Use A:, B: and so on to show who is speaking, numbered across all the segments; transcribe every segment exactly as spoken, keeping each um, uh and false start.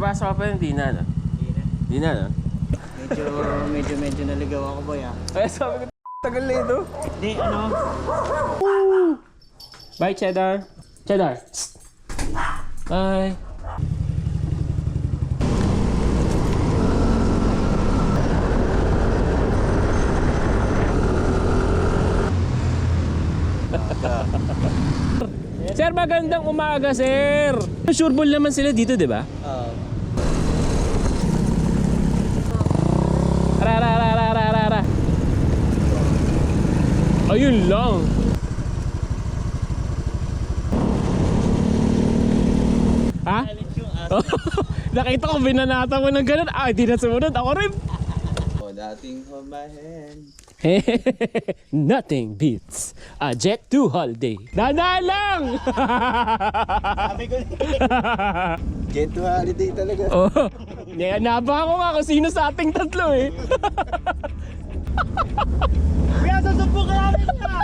A: Papasok ka pa yun, di na, no?
B: Hindi na.
A: Di na, no?
B: Medyo, medyo, medyo naligaw ako, boy, ah.
A: Kaya sabi ko, tagal na ito.
B: Hindi, ano?
A: Bye, Cheddar. Cheddar. Bye. Sir, magandang umaga, sir. Sureball naman sila dito, di ba?
B: Oo.
A: Ra ra ra ra ra ra ra. Ayun lang. Ha? Nakita ko binanata mo ng ganun. Ah, di na sumunod. Ako rin.
B: Oh, dating hold my hand.
A: Nothing beats a Jet two holiday. Dana lang!
B: Sabi ko Jet two holiday talaga.
A: Oh, yeah, nabaka ko nga kung sino sa ating tatlo eh.
B: Kaya sasubok ka namin ha!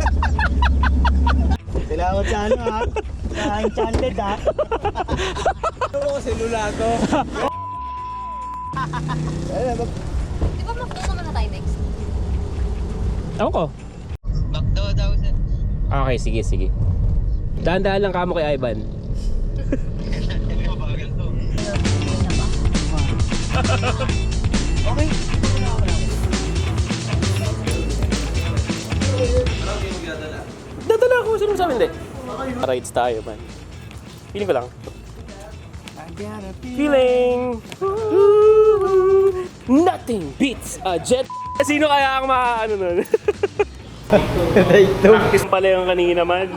B: Salamat sa ano ha? Sa Enchanted ha? Ito ko selula ko.
C: Di ba McDo naman na tayo next?
A: Ako ko.
B: McDo daw sa...
A: Okay, sige, sige. Dahan-dahan lang kamo kay Ivan.
B: Okay.
A: Dadala ako, sino sa amin hindi? Rides tayo, man. Feeling ko lang. Feeling! Nothing beats a jet. Sino kaya ang ma-ano nun? Practice pala yung kanina, man.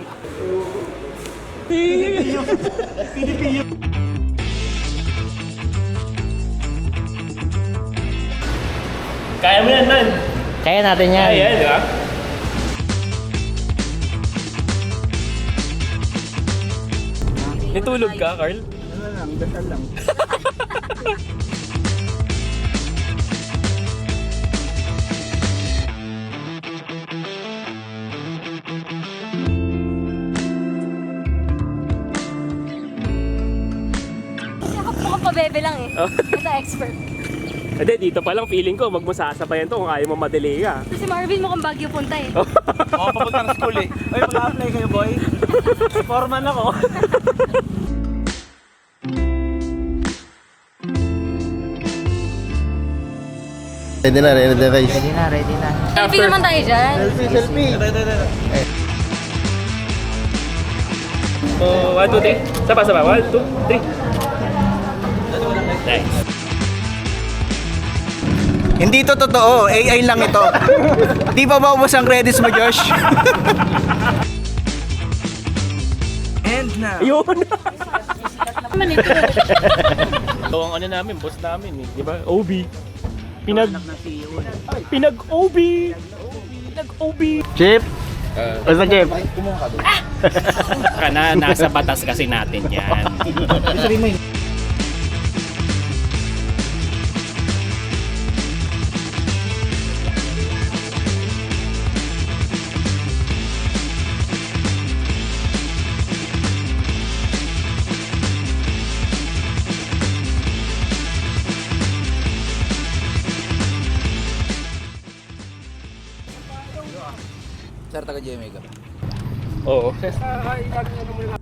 A: Kaya mo yan, man.
B: Kaya natin yan.
A: Kaya yan, di ba? Natulog ka, Carl?
B: Ano lang, dasal lang.
C: Kasi ako po pabebe lang eh.
A: Oh.
C: Ito expert.
A: Hindi, dito pa lang feeling ko, magmasasabayan to kung kaya mo madelay ka.
C: Kasi Marvin mo kung Baguio punta eh.
A: Oh.
B: Oo, papunta ng school eh. Uy, mag-apply kayo boy. Foreman ako.
D: Ready na, ready na guys.
B: Ready na, ready na.
C: Selfie naman tayo dyan.
B: Selfie, selfie. Ito, ito, ito.
A: Oh, one, two, three. Saba, saba. One, two, three. Nice.
E: Hindi to totoo, A I lang ito. Di ba maubos ang credits mo, Josh? And now.
A: Ayun! Ito ang ano namin, boss namin eh. Di ba? O B. Pinag... Pinag-O B! Pinag-O B!
E: Chip. Basta Chip.
A: Kana, nasa batas kasi natin yan.
E: Sir, taga-J M A ka.
A: Oo.